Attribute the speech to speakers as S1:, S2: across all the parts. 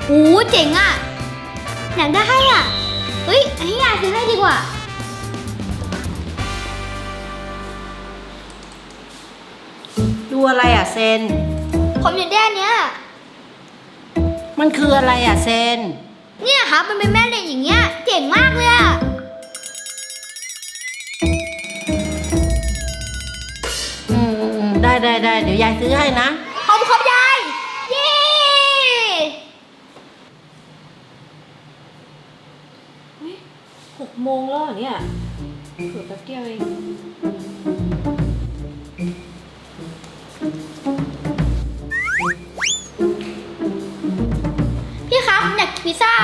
S1: โอ้เจ๋งอ่ะอยากได้อ่ะเฮ้ยให้ยายซื้อให้ดีกว่า
S2: ดูอะไรอ่ะเซน
S1: ผมอยากได้อันเนี้ย
S2: มันคืออะไรอ่ะเซน
S1: เนี่ยครับมันเป็นแม่เหล็กอย่างเงี้ยเจ๋งมากเลยอ่ะ
S2: ได้เดี๋ยวยายซื้อให้นะ
S1: ขอบคุณครับยายเย้
S3: 6 โมงแล้วเหรอเนี่ยเผื่อแป๊บเดียวเอง
S1: พี่ครับอยากกินพิซซ่า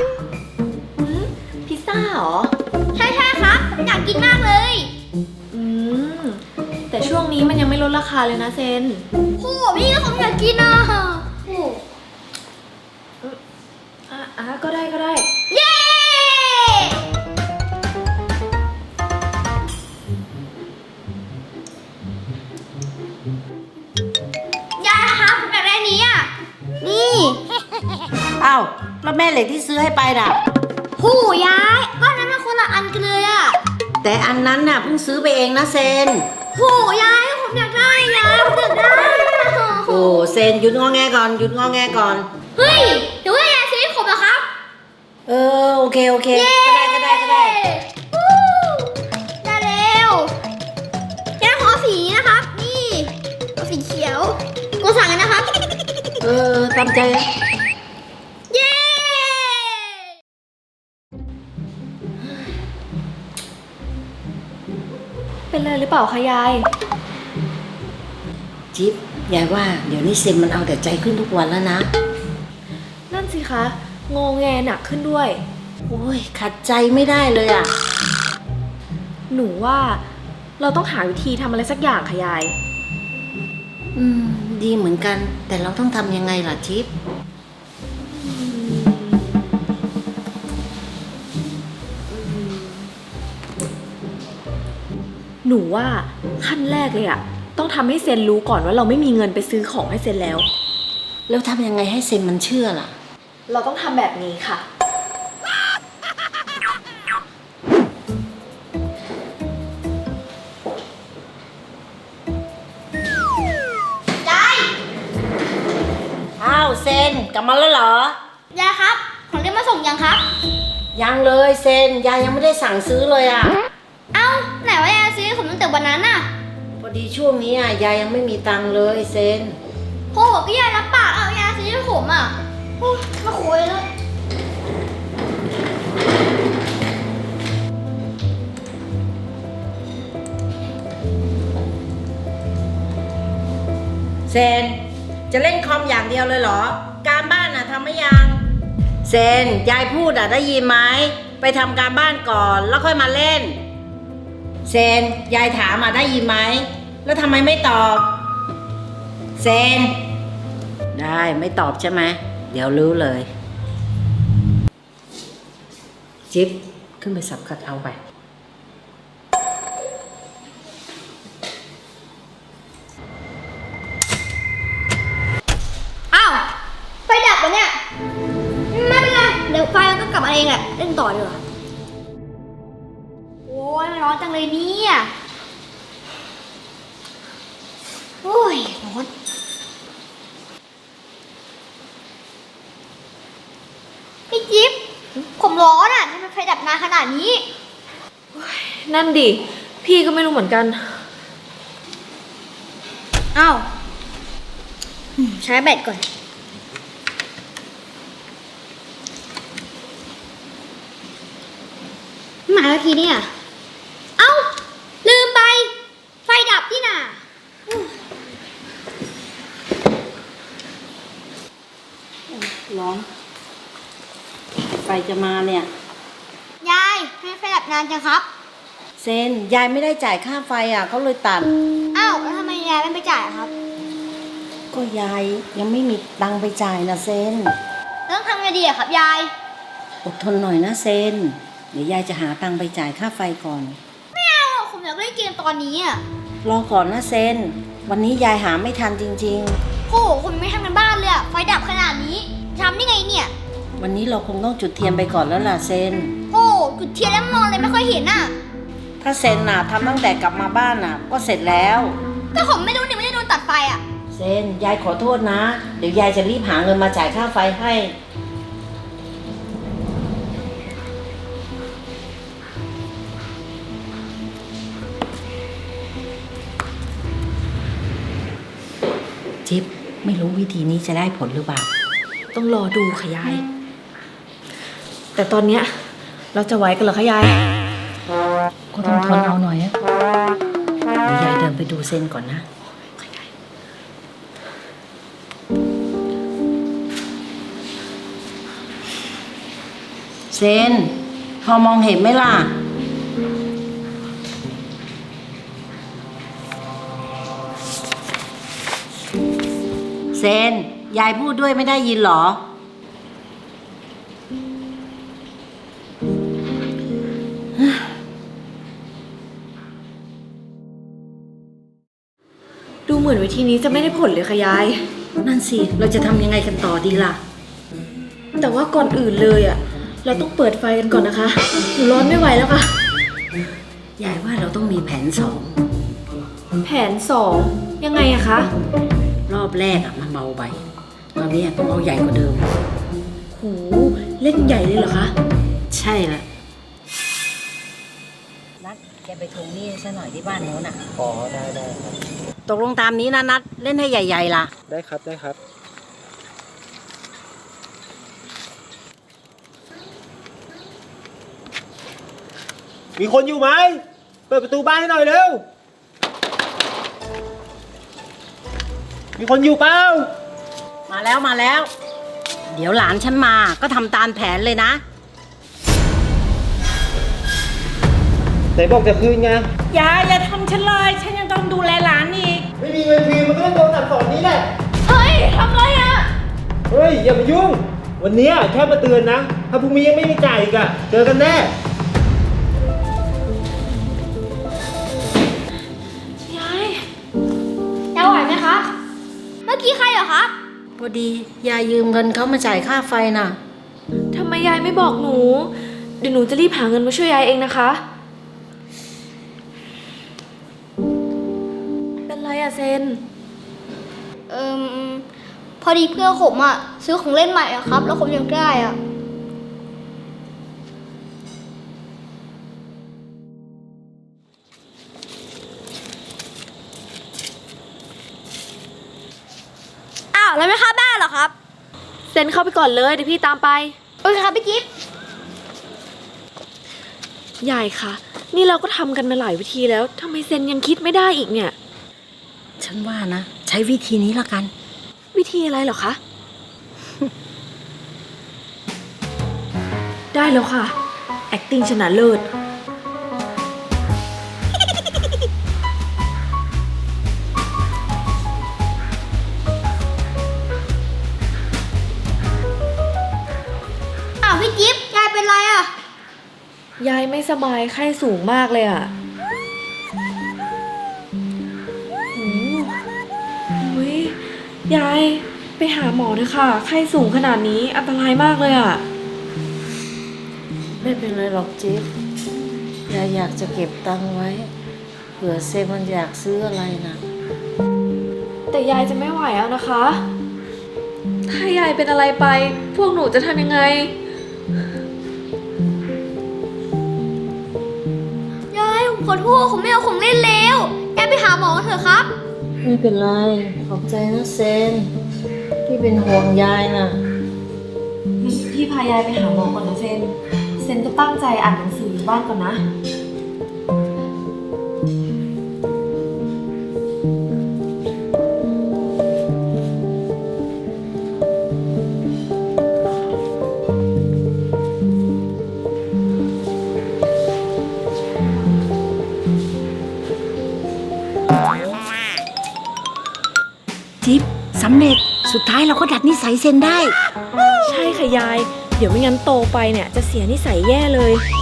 S3: พิซซ่าเหรอ
S1: ใช่ครับอยากกินมากเลย
S3: อืมแต่ช่วงนี้มันยังไม่ลดราคาเลยนะเซน
S1: โหพี่ก็ผมอยากกินอ่ะโอ้
S3: ก็ได้
S1: เย้ยายครับผมอยากได้อันนี้อ่ะนี่
S2: อ้าวแล้วแม่เหล็กที่ซื้อให้ไปน่ะ
S1: โหยายก็นั้นมันคนละอันกันเลยอ่ะ
S2: แต่อันนั้นน่ะเพิ่งซื้อไปเองนะเซน
S1: โหยายผมอยากได้ยายผมอยากได้
S2: โอ้เซนหยุดงอแงก่อน
S1: เฮ้ยเดี๋ยวให้ยายซื้อให้ผมเหรอครับ
S2: โอเคก็ได้
S1: วู้ได้แล้วยายขอสีนะครับนี่เอาสีเขียวกูสั่งกันนะครับ
S2: ตามใจ
S1: เย้
S3: เป็นเลยหรือเปล่าคะยาย
S2: จิ๊บยายว่าเดี๋ยวนี้เซนมันเอาแต่ใจขึ้นทุกวันแล้วนะ
S3: นั่นสิคะงอแงหนักขึ้นด้วย
S2: โอ้ยขัดใจไม่ได้เลยอ่ะ
S3: หนูว่าเราต้องหาวิธีทำอะไรสักอย่างค่ะยาย
S2: ดีเหมือนกันแต่เราต้องทำยังไงล่ะจิ๊บ
S3: หนูว่าขั้นแรกเลยอะต้องทำให้เซนรู้ก่อนว่าเราไม่มีเงินไปซื้อของให้เซนแล้ว
S2: ทำยังไงให้เซนมันเชื่อล่ะ
S3: เราต้องทำแบบนี้ค่ะ
S1: ยาย
S2: อ้าวเซนกลับมาแล้วเหร
S1: อยายครับของเล่นมาส่งยังครับ
S2: ยังเลยเซนยายยังไม่ได้สั่งซื้อเลยอ่ะ
S1: เอ้าไหนว่ายายซื้อผมตั้งแต่วันนั้นน่ะ
S2: พอดีช่วงนี้ยายยังไม่มีตังค์เลยเซน
S1: โหก็ยายรับปากเอายายซื้อให้ผมอ่ะมาคุยเลย
S2: เซนจะเล่นคอมอย่างเดียวเลยเหรอการบ้านทำไม่ยังเซนยายพูดได้ยินไหมไปทำการบ้านก่อนแล้วค่อยมาเล่นเซนยายถามได้ยินไหมแล้วทำไมไม่ตอบเซนได้ไม่ตอบใช่ไหมเดี๋ยวรู้เลยจิ๊บขึ้นไปสับคัดเอาไป
S1: อ้าวไฟดับแล้วเนี่ยไม่เป็นไรเดี๋ยวไฟมันก็กลับมาเองแหละเล่นต่อดีกว่าโอ้ยมันร้อนจังเลยเนี่ยโอ้ยร้อนพี่จิ๊บผมร้อนอ่ะทำไมไฟดับนานขนาดนี้
S3: นั่นดิพี่ก็ไม่รู้เหมือนกัน
S1: อ้าวใช้แบตก่อนมาแล้วทีเนี่ยเอ้าลืมไปไฟดับนี่น่ะ
S2: ร้อนไฟจะมาเนี่ย
S1: ยายให้ไฟดับนานจังครับ
S2: เซนยายไม่ได้จ่ายค่าไฟเขาเลยตัด
S1: อ้าวแล้วทำไมยายไม่ไปจ่ายครับ
S2: ก็ยายยังไม่มีตังค์ไปจ่ายนะเซน
S1: ต้องทำไงดีครับยาย
S2: อดทนหน่อยนะเซนเดี๋ยวยายจะหาตังค์ไปจ่ายค่าไฟก่อน
S1: ไม่เอาผมอยากเล่นเกมตอนนี้
S2: รอก่อนนะเซนวันนี้ยายหาไม่ทันจริงๆ
S1: โหผมไม่ทำกันบ้านเลยไฟดับขนาดนี้ทำได้ไงเนี่ย
S2: วันนี้เราคงต้องจุดเทียนไปก่อนแล้วล่ะเซน
S1: โอ้จุดเทียนแล้วมองเลยไม่ค่อยเห็นน่ะ
S2: ถ้าเซนน่ะทำตั้งแต่กลับมาบ้านน่ะ ก็เสร็จแล้ว
S1: แต่ผมไม่รู้เนี่ยไม่ได้โดนตัดไฟอ่ะ
S2: เซนยายขอโทษนะ เดี๋ยวยายจะรีบหาเงินมาจ่ายค่าไฟให้ จิ๊บไม่รู้วิธีนี้จะได้ผลหรือเปล่า
S3: ต้องรอดูค่ะยาย แต่ตอนเนี้ยเราจะไหวกันเหรอคะยาย
S2: ก็ต้องทนเอาหน่อยอะเดี๋ยวยายเดินไปดูเซนก่อนนะ เซน พอมองเห็นไหมล่ะ เซน ยายพูดด้วยไม่ได้ยินเหรอ
S3: ดูเหมือนวิธีนี้จะไม่ได้ผลเลยค่ะยาย
S2: นั่นสิ เราจะทำยังไงกันต่อดีล่ะ
S3: แต่ว่าก่อนอื่นเลยอ่ะ เราต้องเปิดไฟกันก่อนนะคะหนูร้อนไม่ไหวแล้วค่ะ
S2: ยายว่าเราต้องมีแผนสอง
S3: แผน2ยังไงอะคะ
S2: รอบแรกอะมันเบาไปตอนนี้ต้องเอาใหญ่กว่าเดิม
S3: โหเล่นใหญ่เลยเหรอคะ
S2: ใช่ละนัดแกไปทวงหนี้ซะหน่อยที่บ้านโน้นอ่ะ
S4: อ๋อได้ครับ
S2: ตกลงตามนี้นะนัดเล่นให้ใหญ่ๆล่ะ
S4: ได้ครับได้ครับ มีคนอยู่ไหมเปิดประตูบ้านให้หน่อยเร็ว มีคนอยู่เปล่า
S2: มาแล้วมาแล้ว เดี๋ยวหลานฉันมาก็ทำตามแผนเลยนะ
S4: ไหนบอกจะคืนไง
S2: อย่าทำฉันเลยฉันยังต้องดูแลหลานอีก
S4: ไม่มีเงินคืนมันก็ต้องโดนสั่งสอนนี้แหละ
S1: เฮ้ยทำไรอ่ะ
S4: เฮ้ยอย่ามายุ่ง วันนี้แค่มาเตือนนะ ถ้าพรุ่งนี้ยังไม่มีจ่ายอีกอะเจอกันแน่
S3: ยาย
S1: จะไหวไหมครับ เมื่อกี้ใครเหรอครับ
S2: พอดียายยืมเงินเขามาจ่ายค่าไฟน่ะ
S3: ทำไมยายไม่บอกหนู เดี๋ยวหนูจะรีบหาเงินมาช่วยยายเองนะคะ เป็นไรอะเซน
S1: พอดีเพื่อนผมอ่ะซื้อของเล่นใหม่อะครับ แล้วผมอยากได้อ่ะ อ้าวแล้วไม่เข้าบ้านเหรอครับ
S3: เซนเข้าไปก่อนเลยเดี๋ยวพี่ตามไป
S1: โอเคครับพี่จิ๊บ
S3: ยายคะนี่เราก็ทำกันมาหลายวิธีแล้วทำไมเซนยังคิดไม่ได้อีกเนี่ย
S2: ฉันว่านะ ใช้วิธีนี้ละกัน
S3: วิธีอะไรเหรอคะ ได้แล้วค่ะ acting ชนะเลิศ
S1: อ้าวพี่จิ๊บยายเป็นไรอ่ะ
S3: ยายไม่สบายไข้สูงมากเลยอ่ะอุ้ยยายไปหาหมอเถอะค่ะ ไข้สูงขนาดนี้อันตรายมากเลยอ่ะ
S2: ไม่เป็นไรหรอกจิ๊บยายอยากจะเก็บตังค์ไว้ เผื่อเซนมันอยากซื้ออะไรนะ
S3: แต่ยายจะไม่ไหวแล้วนะคะ ถ้ายายเป็นอะไรไป พวกหนูจะทำยังไง
S1: ยายผมขอโทษผมไม่เอาของเล่นแล้วยายไปหาหมอเถอะครับ
S2: ไม่เป็นไร ขอบใจนะเซน ที่เป็นห่วงยายน่ะ
S3: พี่พายายไปหาหมอก่อนนะเซน เซนจะตั้งใจอ่านหนังสืออยู่บ้านก่อนนะ
S2: จิ๊บสำเร็จ สุดท้ายเราก็ดัดนิสัยเซนได้
S3: ใช่ค่ะยาย เดี๋ยวไม่งั้นโตไปเนี่ยจะเสียนิสัยแย่เลย